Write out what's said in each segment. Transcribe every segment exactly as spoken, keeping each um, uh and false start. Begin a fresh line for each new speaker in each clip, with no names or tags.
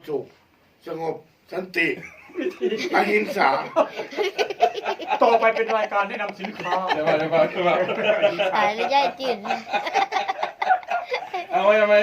สุขสงบสันติอหิงสา
ต่อไปเป็นรายการแนะนำสินค้า
เดี๋ยวมาเดี๋ยวมาเดี๋ยวมา
ตายแล้วย่ายจืดนะ
เอาไว้ทำไม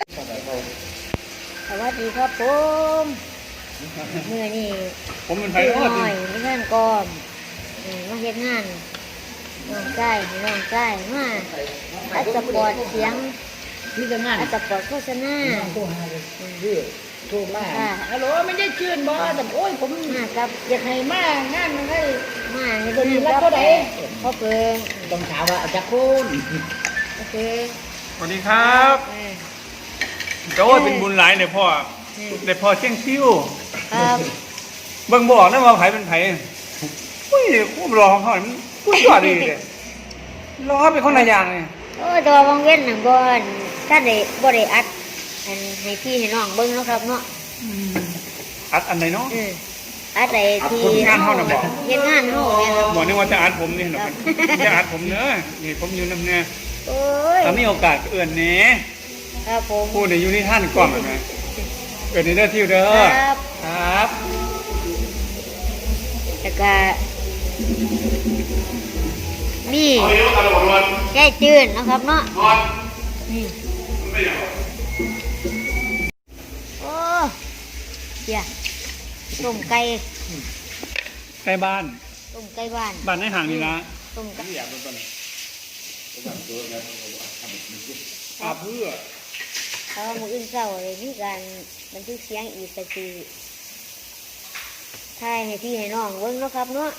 สวัสดีครับผมเมื่อนี่
ผมเป็นไท
พี่
ยรอด
น้
จริ
อง ยมีงานกอมเออมาเฮ็ดงานน้องใกล้น้องใกล้มาอัดสปอร์ตเสียง
นี่จะงาน
อัดสปอร์ตโฆษณา
โทรหาเลยพี่โทรมาฮัลโหลไม่ได้ชื่นบ่แต่โอ้ยผม
มากับ
อยากให้มางานมันให้
มาให้
ตัวนี้
งาน
รับ
กับ
เท่าไหร่
พ่อเพิง
ต้องถามว่าเอาจากคุณ
โอเค
สวัสดีครับ
เออ
โจ้ยเป็นบุญหลายเนี่ยพ่อ
เออ
แต่พ่อเชี่ยงคิ้ว
ครับ
เบิ่งบอกนะว่าไผเป็นไผอุ้ยความรอของเขามันกูยอดดีเลยรอเป็นคนละอย่างเลย
โอ้ยตัวบางเว้นน่ะบ่อนถ้าได้บ่ได้อัดอันให้พี่ให้น้องเบิ่งเนาะครับเนาะ
อัดอันไหนเนาะ
เอออัดไอ้ที่
ผลงานเฮาน่ะบอก
เฮ็ดงานเฮาแม่นครับ
บอกนึกว่าจะอัดผมนี่หรอกจะอัดผมเนอะนี่ผมอยู่นำแน่
โอ้ย
ถ้ามีโอกาสก็เอื่นแหน่
ครับผม
พูดในอยู่ที่ท่านกล่องเห็นไหมเอื่นในเด้อที่เด้อ
ครับ
ครับ
แล้วก็นี่แก้จืดนะครับเนาะนี่โอ้เดี๋ยวต้มไก่
ใกล้บ้าน
ต้มไก่บ้าน
บ้านในห่างนี่นะ
ต้มไก่
อยากเป็นต้นอาเพื่อ
เพราะว่ามื้ออื่นเช้าเลยมีการบันทึกเสียงอีกก็คือถ่ายให้พี่ให้น้องเบิ่งเนาะครับเนาะ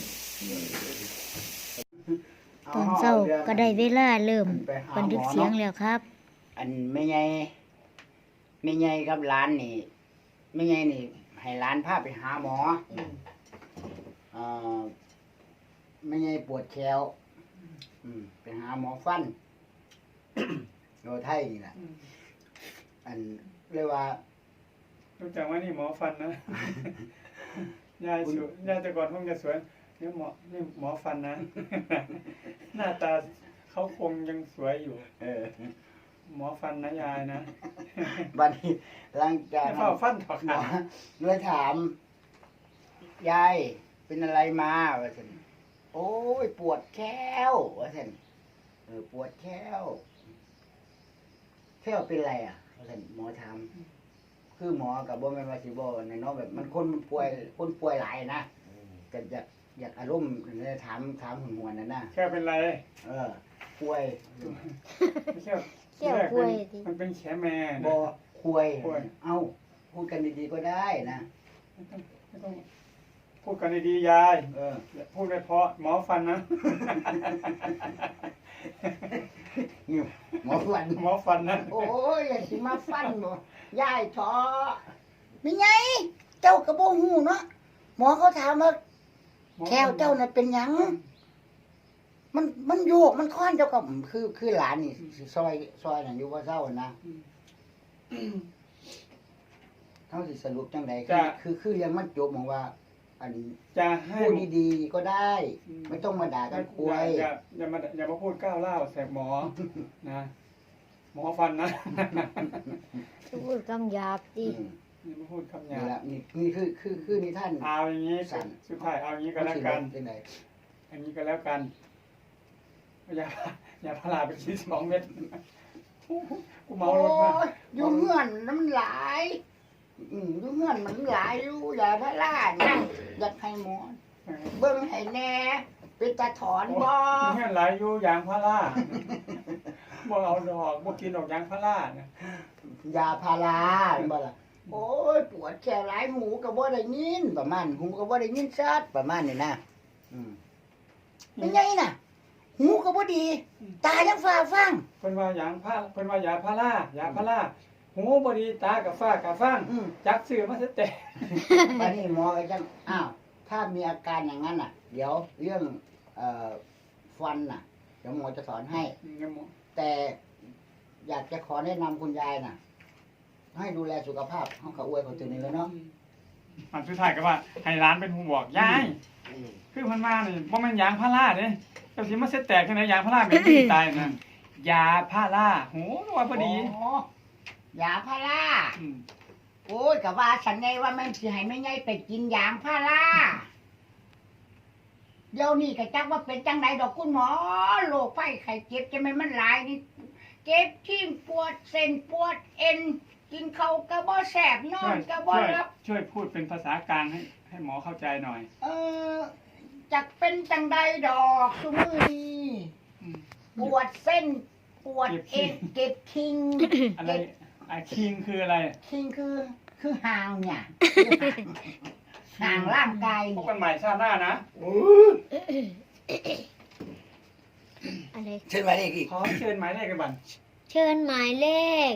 ตอนเช้าก็ได้เวลาเริ่มบันทึกเสียงแล้วครับ
อันไม่ใหญ่ไม่ใหญ่กับร้านนี่ไม่ใหญ่นี่ให้ร้านพาไปหาหมอเอ่อไม่ใหญ่ปวดแขวอืมไปหาหมอฟัน โนไทยนี่แหละอันเรียกว่า
รู้จักว่านี่หมอฟันนะ ยายสวยยายแต่ก่อนคงจะสวยนี่หมอนี่หมอฟันนะ หน้าตาเขาคงยังสวยอยู่
เออ
หมอฟันนะยายนะ
บัดนี้หลังจาก
เฝ้าฟันถอด
หม
ขา
อเลยถาม ยายเป็นอะไรมาว่าฉันโอ้ยปวดแข้วว่าฉันเออปวดแข้วแข้วเป็นอะไรอ่ะว่าฉันหมอถามคือหมอกับบ่แม่นว่าสิบ่ในเนาะแบบมันคนมันป่วยคนป่วยหลายนะก็อยากอยากอารมณ์เลยถามถามหุ่นหวนนั่นนะ
แค่เป็นไร
เออป่วย
ไม่ใช่
แค่ป่วยดิ
มันเป็นแขแม่
บ่
นะ
ป่วย
ป่วย
เอ้าพูดกันดีๆก็ได้นะ
ไม่ต้องไม่ต้องพูดกันดีๆยาย
เออ
อย่าพูดไปเพราะหมอฟันนะ
นี่หมอฟัน
หมอฟันนะ
โอ้ยอย่าสิมาฟันบ่ยายท้อมีไงเจ้ากระโบหูเนาะหมอเขาถามว่าแควเจ้าน่ะเป็นหยัง มันมันโยกมันค้อนเจ้าก็คือคือหลานนี่สิซอยซอยนั่นอยู่ว่าเศร้านะเขาสิสรุปจังไดคือคือคือยังมันจบมองว่า อัน
จะให้
พูดดีๆก็ได้ ไม่ต้องมาด่ากันคุย
อย่าอย่ามาอย่ามาพูดก้าวเล่าวใส่หมอ นะหมอฟันนะ
พูดคำหยาบดิ
อืม
อย่ามาพูดคำหยา
นี่
บ
ละนี่นี่คือคือคือนิท่าน
เอาอย่างนี้
สั่น
สุดท้ายเอาอย่างนี้ก็แล้วกัน
จังได
อันนี้ก็แล้วกันอย่าอย่าพาราไปทีสองเม็ดกูเมา
โอ้
รถมาก
ยอยู่เงื่อนน้ำหลายอืมอยู่เงื่อนมันหลายอยู่อย่าพะล่าเนี่ยอยากให้หมอเบิ่งให้แน่เป็นตาถอนบ่
มีเงี้ยหลายอยู่ยางพาราบ่เอาดอกบ่กินดอกยางพาราเนี่ย
ยาพาราเห็นบ่ล่ะโอ้ยปวดแขนหลายหูก็บ่ได้ยินประมาณหูก็บ่ได้ยินชัดประมาณนี้นะอืมเป็นไงน่ะ หูก็บ่ดี ตายังฟ้าฟัง
เพิ่นว่ายางพาเพิ่นว่ายาพารายาพาราหูบ่ดีตากับฟ้ากับฟัง
อืม
จักซื้อมาซะแต่
ตอนนี้หมอก็จังอ้าวถ้ามีอาการอย่างนั้นน่ะ เดี๋ยวเรื่องเอ่อฟันน่ะ เดี๋ยวหมอจะสอนให้ แต่อยากจะขอแนะนำคุณยายน่ะ ให้ดูแลสุขภาพเขาก็อวยเขาตัวนี้แล้วเนาะ
มันสุดท้ายก็ว่าให้ร้านเป็นผู้บอกยายคือมันมานี่บ่แม่นยางพาราเด้เจ้าสิมาเสแตกจังได๋ยางพาราแม่นบ่ตายนั่นยาพาราหูว่าพอดี
โยาพารา
อืม
โอ้ยก็ว่าฉันไงว่าแม่นสิให้แม่ใหญ่ไปกินยางพาราเดี๋ยวนี้ก็จักว่าเป็นจังไดดอกคุณหมอโรคไข้ไข้เจ็บจะแม่นมันหลายนี่เจ็บที่ปวดเส้นปวดเอ็นกินข้าวก็บ่แซ่บนอ
ช่วน ย
ก็บ่
ช่วย
หลับ
ช่วยพูดเป็นภาษากลางให้ให้หมอเข้าใจหน่อย
เออจักเป็นจังใดดอกซุมื้อนี้
อืม
ปวดเส้นปวด
เจ็บ
เอ็นเก็บคิง
อะไรอะคิงคืออะไร
คิงคือคือหางเนี่ยหางร่างกาย
พบ
เนี่ย
กันใหม่ชาติหน้านะ
โอ้ย
อะไร
เชิญมาเลยอีก
ขอเชิญหมายเลขกันบัน
เชิญหมายเลข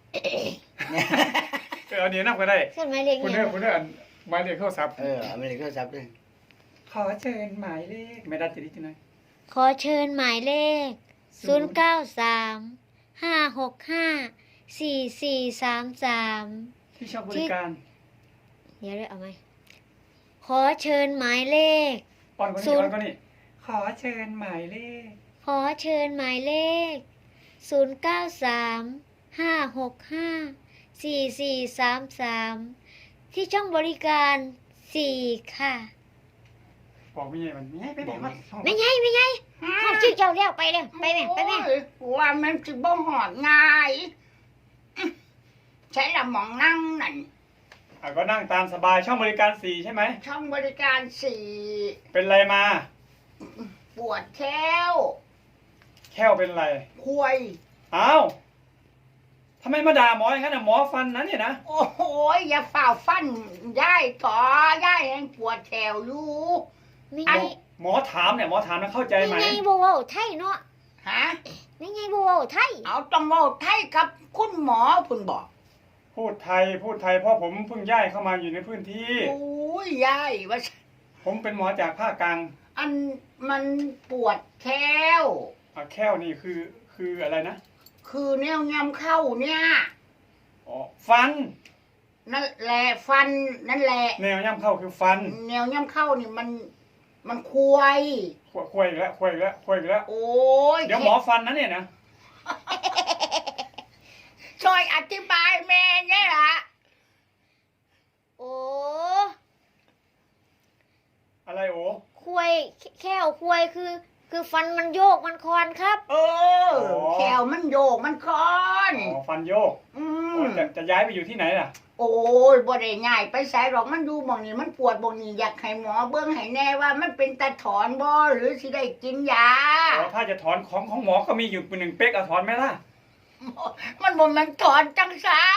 เออเอาเดี๋ยวนับก็ได้
เชิญหมายเลข
คุณ
เนี่
เด้อย คุณเด้ออันหมายเลขโทรศัพท์
เออเอามาเลยโทรศัพท์ด้วย
ขอเชิญหมายเลขไม่ได้จะได้ที่ไหน
ขอเชิญหมายเลข ศูนย์เก้าสาม ห้าหกห้า สี่สี่สามสาม
ที่ชอบบริการ
เดี๋ยวได้เอาไหม ขอเชิญหมายเลข
อ่อนกว่า
ศู
นี้
นย์
อ่อนกว่านี้ขอเชิญหมายเลข
ขอเชิญหมายเลข ศูนย์เก้าสาม ห้าหกห้า สี่สี่สามสาม ที่ช่องบริการสี่ค่ะ
บอกไม่ใหญ่มันไม่ใหญ่ไปไหนมา
ไม่ไงไม่ไงห้องชื่อเจ้าแล้วไปเลยไปแม่ไปแม่
โอ้ยว่ามันสิบ่หอดง่ายอื้อใช้ละหมองนั่งนั่น
อ่ะก็นั่งตามสบายช่องบริการสี่ใช่ไหม
ช่องบริการสี่
เป็นไรมา
ปวดแค้ว
แค่วเป็นไร
ควย
อ้าวทำไมมาด่าหมออย่างนั้นอ่ะหมอฟันนั้นเนี่ยนะ
โอ้โหอย่าฝ่าฟันย่ายต่อย่ายแหงปวดแถวอยู่
ไม่
อั
ไง
น
หมอถามเนี่ยหมอถามแล้วเข้าใจ
ไม่
ไหม
ไงบัวาไทยเนาะ
ฮะ
ไม่ไงบัวาไทย
เอาต้องเว้าไทยกับคุณหมอเพุ่นบอก
พูดไทยพูดไทยเพราะผมเพิ่งย้ายเข้ามาอยู่ในพื้นที่
โอ้ยยายว่า
ผมเป็นหมอจากภาคกลาง
อันมันปวดแค้ว
อ่ะแค่วนี่คือคืออะไรนะ
คือแนวงำเข้าเนี่ย
อ๋อฟัน
นั่นแหละฟันนั่นแหละ
แนวย่ำเข้าคือฟัน
แนวย่ำเข้านี่มันมันควย
ควยควยอีกแล้วควยอีกแล้วควยอีกแล้ว
โอ้ย
เดี๋ยวหมอฟันนะเนี่ยนะ
ช่วยอธิบายแม่เนี่ยล่ะ
โอ้
อะไรโอ้
ควยแค่วควยคือ คือฟันมันโยกมันคอนครับ
เออแขวมันโยกมันคอน
อ๋อฟันโยก
อื
โอ้
ม
จะจะย้ายไปอยู่ที่ไหนล่ะ
โอ้ยบ่ได้ง่ายไปใส่หรอกมันอยู่หม่องนี้มันปวดหม่องนี้อยากให้หมอเบิ่งให้แน่ว่ามันเป็นตาถอนบ่หรือสิได้กินยา
อ๋อถ้าจะถอนของของหมอก็มีอยู่หนึ่งเป๊กเอาถอนไหมล่ะ
มันบ่แมันถอนจังซาน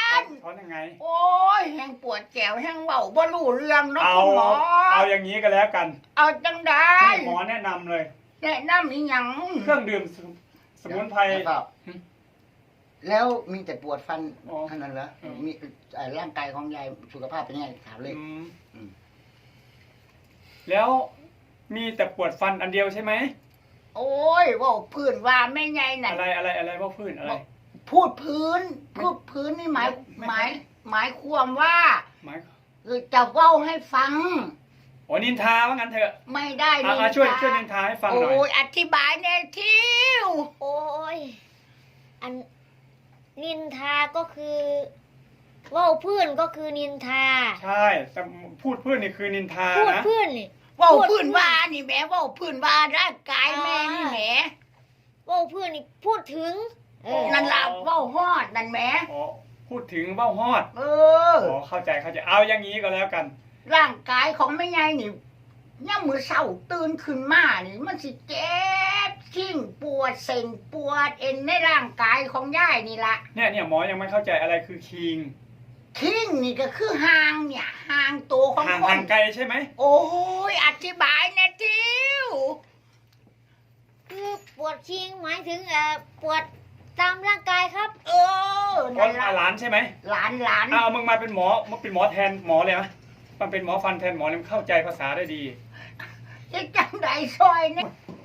ถอนยังไง
โอ้ยแห้งปวดแก้วแห้งเว้าบ่รู้เรื่องเนาะ
เอา
คุณหมอ
เอาอย่างนี้ก็แล้วกัน
เอาจังได๋
ให้หมอแนะนำเลย
แนะนำอีหยัง
เครื่องดื่มสมุสมุนไพร
แล้วมีแต่ปวดฟัน
อ๋อ
เท่านั้นเหรอ
อืม
มีเอ่อร่างกายของยายสุขภาพเป็นยังไงถามเลย
อืม
อืม
แล้วมีแต่ปวดฟันอันเดียวใช่ไหม
โอ้ยเว่าพื้นว่าไม่ไงน่ะ
อะไรอะไรอะไรว่าพื้นอะไร
พูดพื้นพูดพื้นนี่หมาย
ไม่
หมายหมายความว่า
หมาย
คือจะเว้าให้ฟัง
อ๋อนินทาว่างั้นเถอะ
ไม่ได้
อ่ะอ่ะช่วยช่วยนินทาให้ฟังหน่อย
โอ้ยอธิบายแน่ทิว
โอ้ย อัน นินทาก็คือเว่าเพื่อนก็คือนินทา
ใช่แต่พูดพื้นนี่คือนินทา
พูด
นะ
เพื่อนนี่
เว่า
พูด
พื้นว่านี่แหม่เว่าพื้นว่าร่างกายแม่นี่แหม
เว่าเพื่อนนี่พูดถึง เออ
นั่นล่ะเว่าฮอดนั่นแหม
อ๋อพูดถึงเบ้าฮอด
เออ
อ๋อเข้าใจเข้าใจเอาอย่างนี้ก็แล้วกัน
ร่างกายของแม่ยายนี่ย่ามมือเศร้าตื่นขึ้นมานี่มันสิเจ็บชิ่งปวดเส้นปวดเอ็นในร่างกายของยายนี่ละ
เนี่ยเนี่ยหมอยังไม่เข้าใจอะไรคือคิง
คิงนี่ก็คือหางเนี่ยหางตัวของ
ห่าง
ค
ห่าน งไกลใช่ไหม
โอ้ยอธิบายนะทิว
คือปวดคิงหมายถึงเอ่อปวดตามร่างกายครับ
เออ
อ๋อ
นั่นละ
หลานใช่ไหม
หลานหลาน
เอามึงมาเป็นหมอมาเป็นหมอแทนหมอเลยไหมมันเป็นหมอฟันแทนหมอเลยมันเข้าใจภาษาได้ดี
จะจังไดซอยเนี่ย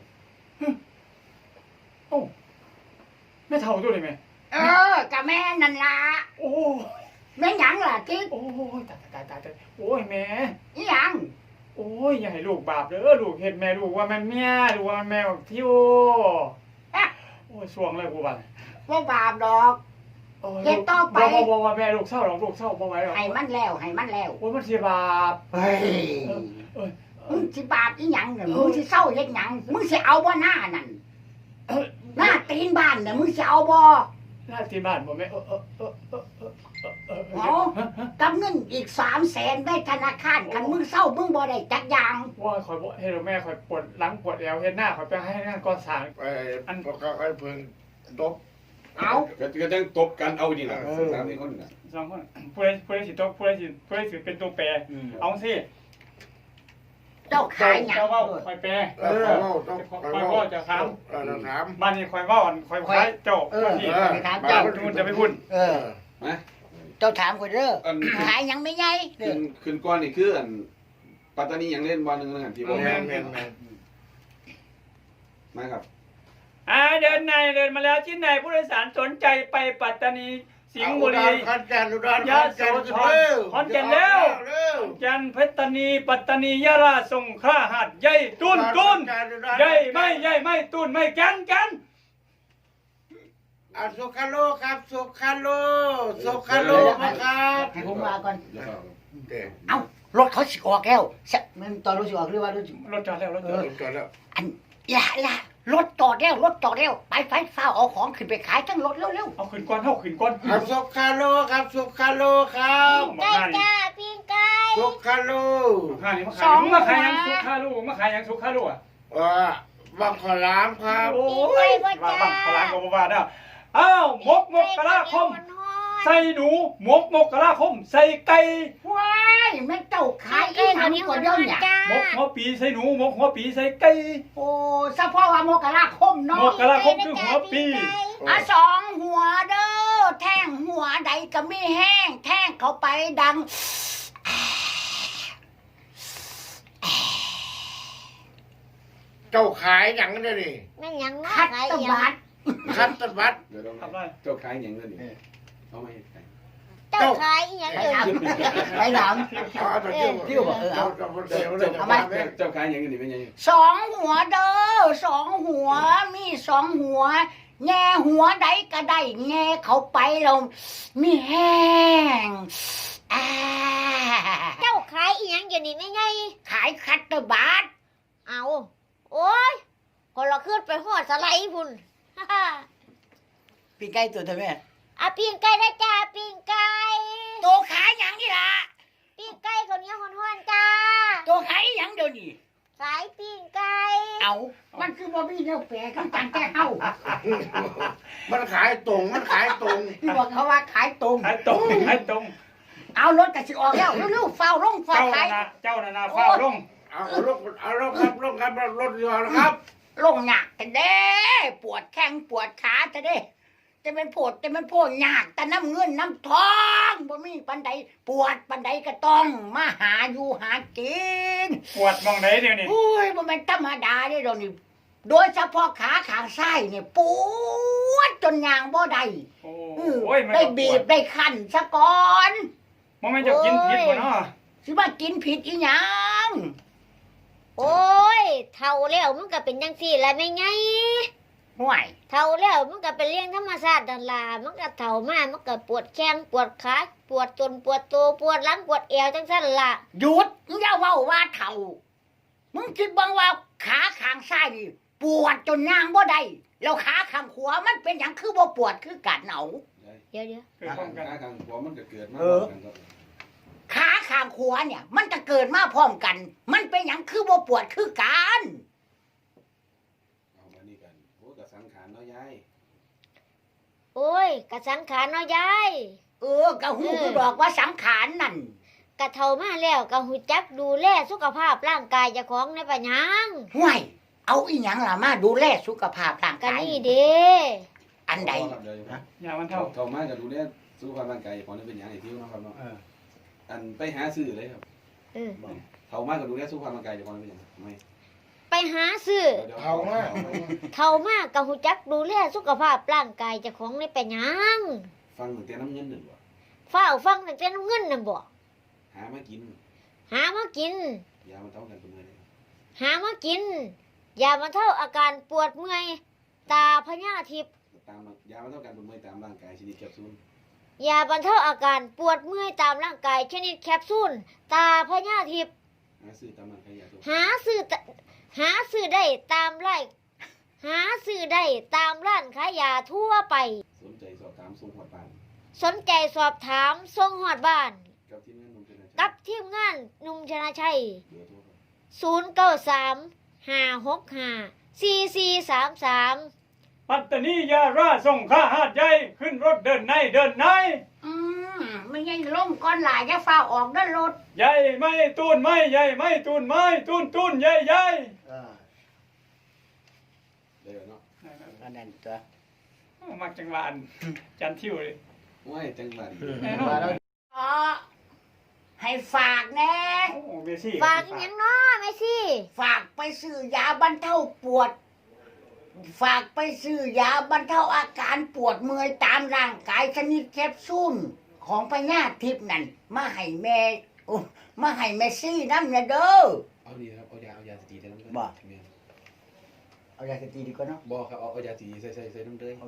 โอ้ไม่เท่าตัวเลยไหม
เออกับแม่นั่นละ
โอ้
แม่หยังล่ะทิว
โอ้ยตายตายตายตายโอ้ยแม่
อีหยัง
โอ้ยอย่าให้ลูกบาปเด้อลูกเห็นแม่ลูกว่ามันเมียลูกว่ามันแม่บอกทิว
อะ
โอ้ยสวงเลยกูบัน
ว่าบาปดอก
โ
เฮ็ดต่อไป
บ่บ่บ่แม่ลูกเศร้าหรอกลูกเศร้าบ่ไหวหรอก
ให้มันแล้วให้มันแล้ว
โอ้ยมันสิบาป
เฮ้ย
เอ้ย
มึงสิบาปอีหยังเนี่ยมึงสิเศร้าเฮ็ดหยังมึงสิเอาบ่หน้านั่น
เอ้ย
หน้าตีนบ้านเนี่ยมึงสิเอาบ่
หน้าที่บ้านบ่แม่เออเออเออเออเออเออเออ
เอากับเงินอีกสามแสนได้ธนาคารคันมึงเศร้ามึงบ่ได้จักอย่าง
ว่าคอยบ่เฮ็ดแม่คอยปวดหลังปวดแอวเฮ็ดหน้าคอยไปให้งานก่อสร้าง
ไปอันก็ไอ้เพิ่งตบ
เอา
ก็ก็ต้องตบกันเอาดีนะสามสี่คนน่ะ
สองคนผู้ใดผู้ใดสิตกผู้ใดสิผู้ใดสิเป็นตัวแปรเอาสิ
เจ้าขายหยัง
เจ้าเว้าคอยแปร
เออเขาต้อง
คอยเว้าจะถาม
เออเราถาม
บ้านนี้คอยเว้าคอยขายเจ้า
เออ
ที่
เออถามเจ้า
นู่นจะไปพุ่น
เออ
มา
เจ้าถามคนเด้อ
อัน
ขายหยังไม่ใหญ่เด้
ขึ้
อน
ขึ้นก้อนนี่คืออันปัตตานียังเล่นบอลหนึ่งนึงที่บอก
แม่นแม่นแม่น
มาครับ
อ่าเดินในเดินมาแล้วที่ไหนผู้โดยสารสนใจไปปัตตานีสิงห์บุรี
ขอนแก่นอุดร
ยะโสธรขอนแก่นแล้ว
เร็ว
จันทร์ปัตตานีปัตตานียะลาสงขลาหาดใหญ่ตุนตุนใหญ่ไม่ใหญ่ไม่ตุนไม่แกันกัน
อ่ะสุขาโลครับสุขาโลสุขาโลมาครับ
ให้ผมมาก่อน
เดี๋ยวเข้า
เด็ก
เอ้ารถเขาสิออกแล้วใช่มันตอนรถสิออกหรือว่ารถสิ
รถจอดแล้วรถจ
เอ
อ
อ
ด
ก่อนแล้ว
อันอย่าอย่ารถจอดแล้วรถจอดแล้วไปไฟฟ้าเอาของขึ้นไปขายทั้งรถเร็ว
เอาขึ้นก้อนเท่าขึ้นก้อน
ครับสุขาโลครับสุขาโลครับ
ไก่จ้าปิ้งไก่
สุขาโล
ข้านี่มาขายมาขายยังสุขาลูกมาขายยังสุขาลูกอ่ะ
ว่าบังขอลามครับ
โอ้ยว่าบังพลังกบว่าได้อ้าวมกมกกะลาคมใส่หนูมกมกกะลาคมใส่ไก่
ๆว้ายแม่เจ้าขายอีหยังก็เดี๋ยวเนี่ย
จ้าม
กหัวปีใส่หนูมกหัวปีใส่ไก่
โอ้สะพอว่าโมกะลาคม
ม
เนาะ
กกะลาคมคือหัวปี
อ่ะสองหัวเด้อแท่งหัวใดก็มีแห้งแท่งเข้าไปดัง
เจ้าขายอย่างนี้นี่
แม่นหยังมา
คัด
ขาย
ตะ
หยัง
บัด
คัตตบัต
เดี๋ยวเรา
ทำไร
เจ้าขายอย่างนั้นนี่เอามาให้ใคร
เจ้าขายอีหยัง
ไป
เอ่ย
ถามไปถาม
เอาเอาเที่ยว
เที่ยวบอกเออเอา
เจ้าเจ้าเจ้า
เจ้า
เจ้า
เจ้าเจ้าขายอย่างนี้เป็นยังไง
สองหัวเด้อสองหัวมีสองหัว แง่หัวใดก็ได้แง่เข้าไปเรามีแห้งอ่า
เจ้าขายอีหยังอยู่นี่แม่ใหญ่
ขายคัตเตอร์บัต
เอาโอ้ยคนละขึ้นไปหอดสไลด์พุ่น
ปีไก่ตัวเธอแม่
อ่ะปิ้งไก่ได้จ้าปิ้งไก่
ตัวขายหยังนี่ล่ะ
ปิ้งไก่คนนี้ฮ้อนๆจ้า
ตัวขายหยังเดี๋ยวนี้
ขายปิ้งไก่
เอามันคือบ่มีแนวแปลคำจังแก้เฮา
มันขายตรง มันขายตรง
ที่บอกเขาว่าขายตรง
ขายตรงขายตรง
เอารถกระสิออกแล้วเร็วๆเฝ้าลงเฝ้า
เจ้า
ขาย
นาเจ้านานาฟ้าลง
เอาเอารถเอารถครับรถครับรถยอนะครับ
ลงหนักแต่เด้ปวดแข้งปวดขาแต่เด้จะเป็นปวดจะเป็นปวดหนักแต่น้ำเงินน้ำทองบ่มีปันใดปวดปันใดก็ต้องมาหาอยู่หากิน
ปวดมองไหนเดี๋ยวนี้
โอ้ยบ่แม่นธรรมดาเด้ดอกนี่โดยเฉพาะขาข้างซ้ายเนี่ยปวดจนยางบ่ได้
โอ้
อื้อ
โอ้ยมัน
ได้บีบได้คั้นซะก่อน
มันไม่จะกินผิดบ่เนาะ
สิว่ากินผิดอีหยัง
โอ้ยเท่าแล้วมันก็เป็นจังซี่แหละแม่ใหญ่
ห่วย
เท่าแล้วมันก็เป็นเรื่องธรรมชาตินั่นล่ะมันก็เท่ามามันก็ปวดแข้งปวดขาปวดจนปวดตัวปวดหลังปวดเอวจังซั่นล่ะ
หยุดมึงอย่าเว้าว่าเฒ่า มึงคิดบ้างว่าขาข้างซ้ายนี่ปวดจนย่างบ่ได้แล้วขาข้างขวามันเป็นหยังคือบ่ปวดคือกันเอา
เดี๋ยวเดี๋ยว
เกิด
ขา
พร้อมกัน
ขาข้างหัวมันก็เกิดมา
ขาข้างขวาเนี่ย มันจะเกิดมาพร้อมกัน มันเป็นหยังคือบ่ปวดคือกัน
เอามานี่กันโอ้กับสังขารเนาะยาย
โอ้ยกะสังขารเนาะยาย
เออกะหูคือบอกว่าสังขารนั่น
กะเท่ามาแล้วกะหูจักดูแลสุขภาพร่างกายเจ้าของในปัญญัง
ห่วยเอาอีหยังล่ะมาดูแลสุขภาพร่าง
กะ
กาย
นี่เด้
อันใด
อย่ามัน
เท่า
เท่า
เท่ามากกับดูแลสุขภาพร่างกายของนี่เป็นอย่างไรที่น้องครับเนาะอันไปหาซื้อเลยครับ
เออ
เท่ามากกับดูแลสุขภาพร่างกายของนี่เป็นอย่างไรไม่
ไปหาซื้อ
เท่ามาก
เท่ามากกะหูจักดูแลสุขภาพร่างกายเจ้าของในปัญญัง
ฟังตั้งแต่น้ำเงินหนึ่งบ่
ฟ้าวฟังตั้งแต่น้ำเงินน่ะบ่
หามากิน
หามากิน
ยามาเท่ากันเป็นเมื่อไร
หามากินยามาเท่าอาการปวดเมื่อยตาพญาทิพย์
ตามยามาเท่ากันเป็นเมื่อตามร่างกายชนิดแคปซูล
ยาบรรเทาอาการปวดเมื่อยตามร่างกายชนิดแคปซูลตาพญาทิพย์
หาซื้อตามร้านขายยาตัว
หาซื้อตหาซื้อได้ตามไร่หาซื้อได้ตามร้านขายยาทั่วไป
สนใจสอบถามส่งหอดบ้าน
สนใจสอบถามส่งฮอดบ้าน
กับที่งานนมชนะชัย
กับทีมงานหนุ่มชนาชัย
เบอร์โทรครับ
ศูนย์ เก้า สาม ห้า หก ห้า สี่ สี่ สาม สาม
ปัตตานียาราส่งข้าหาดใหญ่ขึ้นรถเดินในเดินใน
อืมไม่ใช่ล่มก้อนหลายจะฟ้าออกด้านรถ
ใหญ่ไม่ตูนไม่ใหญ่ไม่ตูนไม่ตูนตูนใหญ่ใหญ่
เออ
ได้แล้วเนาะ
อันนั้นตัว
มักจังหวะอันจันทิวเลย
โอ้ยจังหวัด
แน่นอน
อ๋อให้ฝากแน่
โอ้เบซี่
ฝากอีหยังน้อแม่ซี่
ฝากไปซื้อยาบรรเทาปวด ฝากไปซื้อยาบรรเทาอาการปวดเมื่อยตามร่างกายชนิดแคปซูลของพญาทิพย์นั่นมาให้แม่โอ้มาให้แม่ซี่น้ำเนี่ยเด้อ
เอาดีครับเอายาเอายาสตีใส่น้ำเลย
บ่
แม่น
เอายาสตีดีกว่าเนาะ
บ่ครับเอาเอายาสตีใส่ใส่ใส่น้ำเลย
โอ้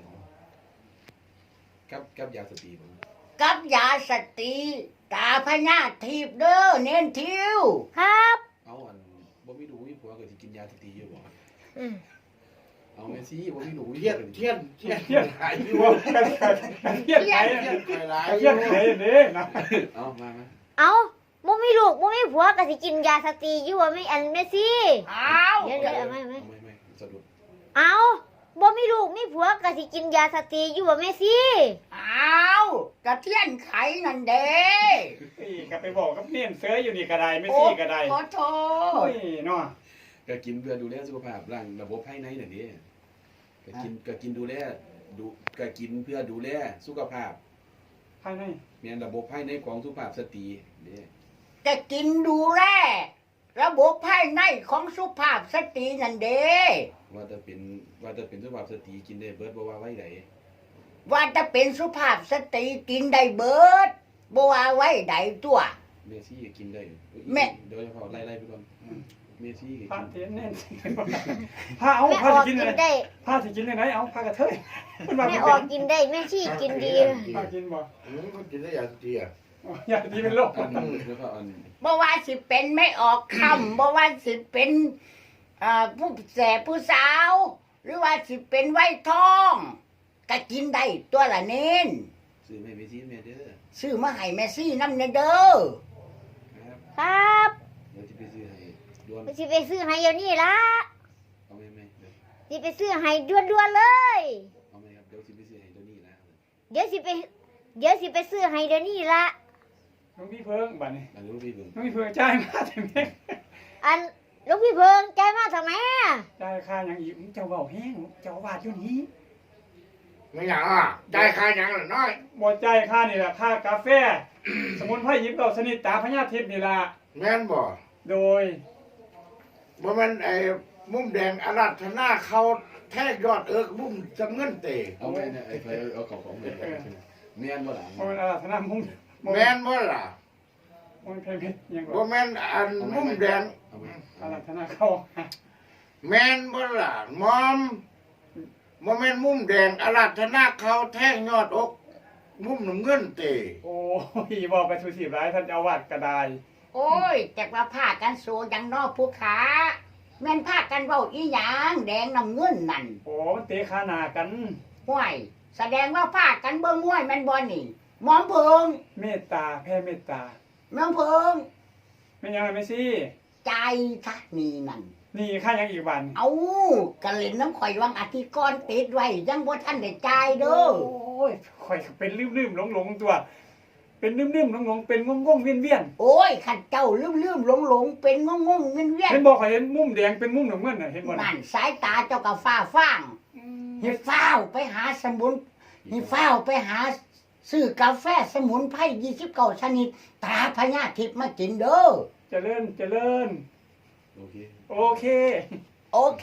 กับกับยาสตีบ่
กับยาสตีตาพญาทิพย์เด้อเน้นทิว
ครับ
เอาอันบ่มีหนูมีผัวก็สิกินยาสตีอยู่บ่
อืม
เอาแม่ซี่บ่มีหนูมี
เทียน
ผัวก็สิ
เทียนเทียน
เทียน
หายอยู่
ว่ากันกันเทียนไทย
เทียนคอยร้าย
เทียนไทยนี่นะ
เอามามา
เอาบ่มีลูกบ่มีผัวก็สิกินยาสตรีอยู่ว่าไม่อันแม่ซี่
อ้าว
เดี๋ยวเดี๋ยวเอาไม่ไม่
เอาไม่ไม่สะดุด
เอาบ่มีลูกมีผัวก็สิกินยาสตรีอยู่ว่าแม่ซี่
อ้าวกระเทียนไขนั่นเด้
นี่ก็ไปบอกกับเนียนเสืออยู่นี่ก็ได้ไม่ซี่ก็ได้
ขอโท
โอ้
ษ
ยเนาะ
ก็กินเพื่อดูแลสุขภาพร่างระบบภายในน่ะนี่ก็กินก็กินดูแลดูก็กินเพื่อดูแลสุขภาพ
ภายใน
แม่นระบบภายในของสุภาพสตรีนี่
จะกินดูแลระบบภายในของสุภาพสตรีนั่นเด้
ว่าจะเป็นว่าจะเป็นสุภาพสตรีกินได้เบิดบ่ว่าไว้ไหน
ว่าจะเป็นสุภาพสตรีกินได้เบิดบ่ว่าไว้ใดตัว
เมซี่ก็กินได้
แม่
โดยเฉพาะไล่ๆไปก่อนเมซี่ก็
พระ
กิน
เทียนแน่นผ้าเอา
แม่
ผ้า
ออก
จะกิน
กิ
อะไร
นได้
ผ้าจะกินอะไรเอาผ้ากระเทยมันมา
แม่
เป็น
ออกกินได้แม่ซี่กินดี
ผ้ากินบ่
อืมก็กินได้ยาสเตีย
อยากดีเป็นโรค
อันนี้แล้วก็อัน
บ่ว่าสิเป็นไม่ออกคำ บ่ว่าสิเป็นอ่าผู้แสบผู้สาว หรือว่าสิเป็นไว้ทองก็กินได้ตัวละเน้น
ซื้อไม่เมซี่แม่เด้อ
ซื้อมาให้แม่ซี่น้ำเนเด้อ
ครับ
ครับ
เดี๋ยวจะไปซื้อให้ด่วน
สิไปซื้อให้เดี๋ยวนี้ละ
เอาไหมไหมเดี๋ยว
สิไปซื้อให้ด่วนๆเลย
เอาไหมครับเดี๋ยวจะไปซื้อให้ตัวนี้นะ
เดี๋ยวสิไป เดี๋ยวสิไปซื้อให้เดี๋ยวนี้ละ
น้องพี่เพิ่งบัดนี้
อันนี้พี่เบิ่ง
น้องพี่เพิ่งจ่ายมาแต่แม่
อันหลูกพี่เพิงใจายมาทำไมอะ
จ่ายค่าอย่างอีกเจ้าเบาแห้งเจ้าบาดอยู่นี้
ไม่หยังอ่ะได้ค่าหยังล่ะน้อย
บ่จ่ายค่านี่แหละค่ากาแฟ สมุนไพรยิบเราสนิทตาพญาทิพย์นี่ล่ะ
แม่นบ่
โดย
บ่แม่นไอ้มุมแดงอารัธนาเขาแท้ยอดเอิกมุมจำเงินเตะ
เอาไหมเนี่ยไอ้ไฟเอาของของแม่แม่นบ่ล่ะ
บ่แม่นอาราธนามุ่ง
แม่นบ่ล่ะ
บ่แม่นเพลงเพชรยัง
บ่
บ่
แม่นอันมุมแดง
เอาไหม
อาราธนาเข้า
แม่นบ่ล่ะมอมบ่แม่นมุมแดงอารัธนาเขาแท่งยอดอก มุมน้ำเงินเตะ
โอ้ยบอกไปสุสีร้ายท่านเจ้าอาวาดก็ได้
โอ้ยแต่ว่าพากันโซยังนอกผู้ขาแม่นพากันเว้าอีหยังแดงน้ำเงินนั่น
โอ้มันเตะขาหน้ากัน
ห้วยแสดงว่าพากันเบิ่งห้วยแม่นบ่นี่หมอมเพิง
เมตตาแผ่เมตตา
หมอมเพิง
แม่นยังไงแม่ซี่
ใจทักนี่นั่น
นี่ค่ายังอีกวัน
เอากะเล่นน้ำข่อยวังอาทิตย์ก่อนติดไว้ยังบ่ทันได้จ่ายเด้อ
โอ้ยข่อยเป็นลืมๆหลงๆตัว เป็นลืมๆหลงๆเป็นงงๆเวียน
โอ้ยขันเจ้าลืมๆหลงๆเป็นงงๆเวีย
ๆ
น
เห็นบอกข่อยเห็นมุมแดงเป็นมุมน้ำเงินน่ะเห็นบ่
ๆ
น่ะ
นั่นสายตาเจ้าก็ฟ้าฟ้างให้ฟ้าวไปหาสมุนให้ฟ้าวไปหาซื้อกาแฟสมุนไพรยี่สิบเก้าชนิดตาพญาทิพย์มากินเด้อ
เจริญเจริญ
โอเค
โอเค
โอเค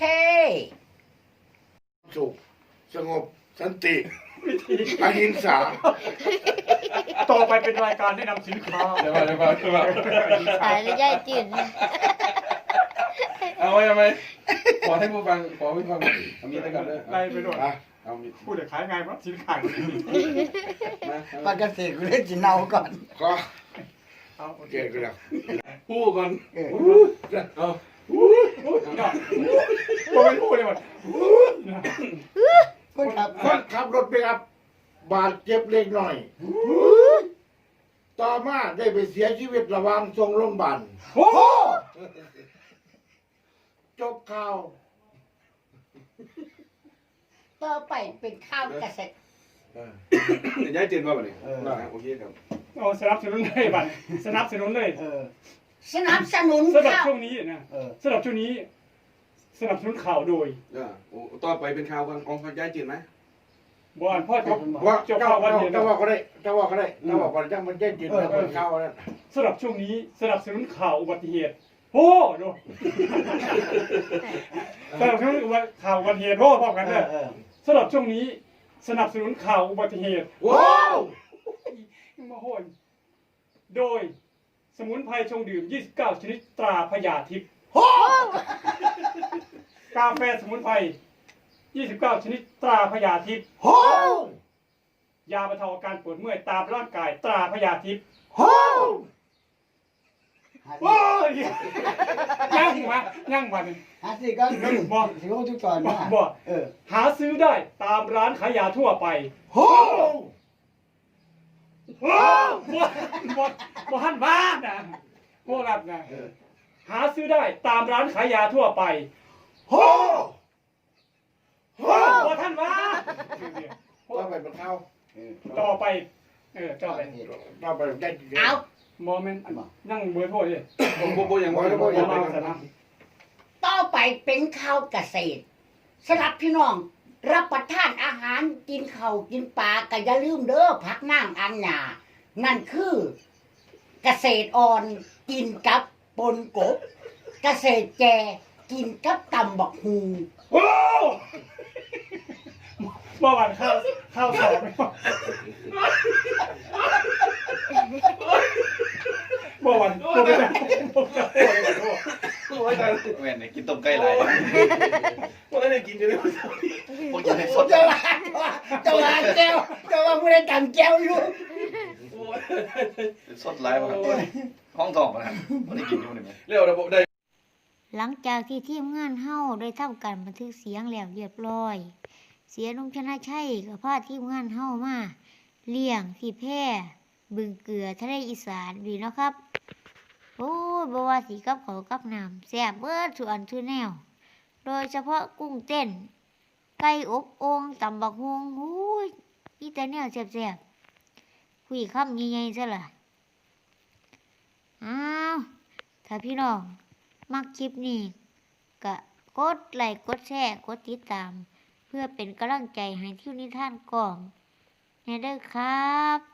สุขสงบสันติ
วิธี
อหิงสา
ต่อไปเป็นรายการแนะนำสินค้า
เดี๋ยวมาเดี๋ยวมาเดี๋ยวมา
ตายแล้วยายจืด
เอาไว้ทำไมขอให้ผู้ฟังขอผู้ฟังเอามีแต่กันเลย
ไล่ไปโดด
อ่ะ
เอามี
พูดแต่ขายไงเพราะสินขาย
มา
ปกติกูเล่นจีเนาก่อน
ก็
เอาโอเค
เก่งกันแล้ว
พูดก่อน
เออ
เอา
เนาะบ่เป็นพูดเลยหมด
คนขับ
คนขับรถไปกับบาดเจ็บเล็กน้อย ต่อมาได้ไปเสียชีวิตระหว่างส่งโรงพยาบาล
โอ้โห
จบข่าว
ต่อไปเป็นข้าวเกษตร
เออเดี๋ยวย้ายตื่นมาบ่นี่
เออ
นะโอเคครับ
เอาสนับสนุนเลยบัดสนับสนุนเลย
เออสนับสนุน
สำหรับ
ข้าว
ช่วงนี้นะ
เออ
สำหรับช่วงนี้ สนับสนุนข่าวโดย
เออโอ้ต่อไปเป็นข่าวกันเอาย้ายตื่นไหม
บอนพ่อจบ
ว่า
จบ
เจ้า
ข่าววัน
เจ้า
เดียว
เจ้าว่าก็ได้เจ้าว่าก็ได้เจ้าว่าก็ได้จังมันแจ้งจริงแล้วคนข่าวนั่น
สำหรับช่วงนี้สนับสนุนข่าวอุบัติเหตุโอ้ดูสนับสนุนข่าวอุบัติเหตุโอ้พร้อมกัน
เอ
เลย
อเออ
สำหรับช่วงนี้สนับสนุนข่าวอุบัติเหตุ
ว้าว
มาโหนโดยสมุนไพรชงดื่ม ยี่สิบเก้า ชนิดตราพญาทิพย์
โอ้
กาแฟสมุนไพร ยี่สิบเก้า ชนิดตราพญาทิพย์
โห
ยาบรรเทาอาการปวดเมื่อยตามร่างกายตราพญาทิพย์
โห
โอ้ยยั่งมายั่งมาเนี่ย
หาสิก็บอกสิก็ทุกตอนนะ
บอก
เออ
หาซื้อได้ตามร้านขายยาทั่วไป
โห
โอ้บดบดบดหันบ้านนะพวกรับนะหาซื้อได้ตามร้านขายยาทั่วไป
โหโห
บดท่านว่า
ต่อไปเป็นข่าว
เออ
ต่อไป เออต่อไป
ต่อไปแจ้งจริง
เอา
โมเมนต์นั่งเบอร์โทรดิ
ผมผมผมยังว่ายัง
บ
ว่า
อ
ยัง
มา
ว่า
สนะ
ต่อไปเป็นข้าวเกษตรสำหรับพี่น้อง รับประทานอาหารกินข้าวกินปลาก็อย่าลืมเด้อพักน้ำอันหนานั่นคือเกษตรอ่อนกินกับปนกบ เกษตรแจกินกับตำบักฮู
โอ้เมื่อวานข้าวข้าวสอบเมื่อวันโมเมนต์โมเมนต์โอ้ยโอ้ย
โอ้ยตาย
แม่นกินต้มไก่หลาย
พวกนั้นได้กินจะได้
พวกจะได้สด
เจ้าว่าเจ้าว่าแก้วเจ้าว่าผู้ใดตำแก้วอยู่
โอ้ย
สดหลายบ่ครับห้องทองบ่ครับบ่ได้กินอยู่นี่แม่
เร็วระบบได้
หลังจากที่ทีมงานเฮาได้ทำการบันทึกเสียงแล้วเรียบร้อย เสียนุ่มชนะชัยกับพาทีมงานเฮามาเลี้ยงที่แพร่บึงเกลือทะเลอีสานดีเนาะครับ โอ้ยบ่ว่าสิกับเขาวกับน้ำแซ่บเบิดทุกอันทุกแนว โดยเฉพาะกุ้งเต้น ไก่อบโอ่งตำบักฮวงโอ้ยอีแต่แนวแซ่บๆคุยคำใหญ่ๆซะล่ะอ้าวถ้าพี่น้องมักคลิปนี้ก็กดไลค์กดแชร์กดติดตาม เพื่อเป็นกำลังใจให้ทิวนิทานกล่องแน่เด้อครับ